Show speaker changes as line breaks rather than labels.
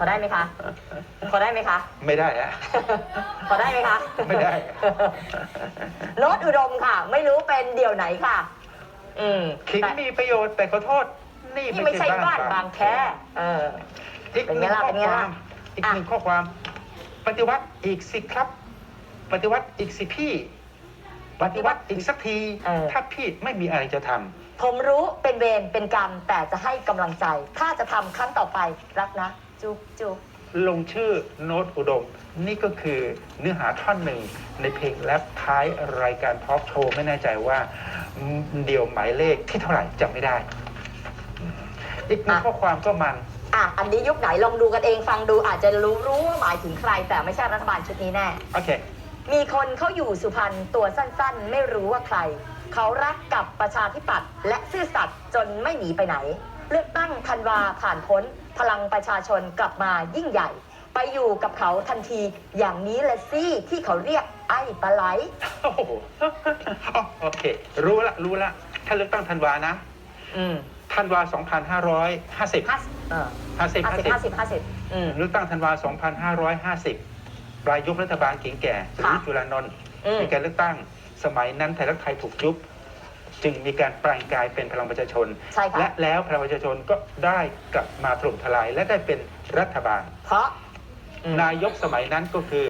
อได้ไหมคะพอได้ไหมคะ
ไม่ได้ฮะ
พอได้ไหมคะ
ไม่ได้
โน้ตอุดมค่ะ ไม่รู้เป็นเดี่ยวไหนค่ะ
ขิง
แต่
มีประโยชน์แต่ขอโทษนี่
นี่ไม่ใช่บ้านบางแค
อีกห
เป็น
นึ่
ไง
ง
ล่ะ
ข้อ
เป็นไง
ควา
ล่ะ
มอีกหนึ่งข้อความ ปฏิวัติอีกสิครับ ปฏิวัติอีกสิพี่ ปฏิวัติอีกสักที ถ้าพี่ไม่มีอะไรจะทำ
ผมรู้เป็นเวรเป็นกรรมแต่จะให้กำลังใจ ถ้าจะทำครั้งต่อไปรักนะ จุ๊บจุ๊บ
ลงชื่อโน้ตอุดม นี่ก็คือเนื้อหาท่อนหนึ่งในเพลงแรปท้ายรายการพอปโชว์ไม่แน่ใจว่าเดี่ยวหมายเลขที่เท่าไหร่จำไม่ได้ อีกหนึ่งข้อความก็มัน
อันนี้ยุคไหนลองดูกันเองฟังดูอาจจะรู้ว่าหมายถึงใครแต่ไม่ใช่รัฐบาลชุดนี้แน่
โอเค
มีคนเขาอยู่สุพรรณตัวสั้นๆ ไม่รู้ว่าใคร เขารักกับประชาธิปัตย์และซื่อสัตย์จนไม่หนีไปไหน เลือกตั้งธันวาผ่านพ้น พลังประชาชนกลับมายิ่งใหญ่ ไปอยู่กับเขาทันทีอย่างนี้แหละสิที่เขาเรียกไอ้ปลาไหล
โอ้โหโอเค รู้ละ ถ้าเลือกตั้งธันวานะธันวา 2550 เลือกตั้งธันวา 2550 ปลายยุครัฐบาลเก่งแก่สุริยุทธ์จุลานนท์มีการเลือกตั้งสมัยนั้นไทยรักไทยถูกยุบ จึงมีการแปลงกายเป็นพลังประชาชน และแล้วพลังประชาชนก็ได้กลับมาถล่มทลายและได้เป็นรัฐบาล
เพราะ
นายกสมัยนั้นก็คือ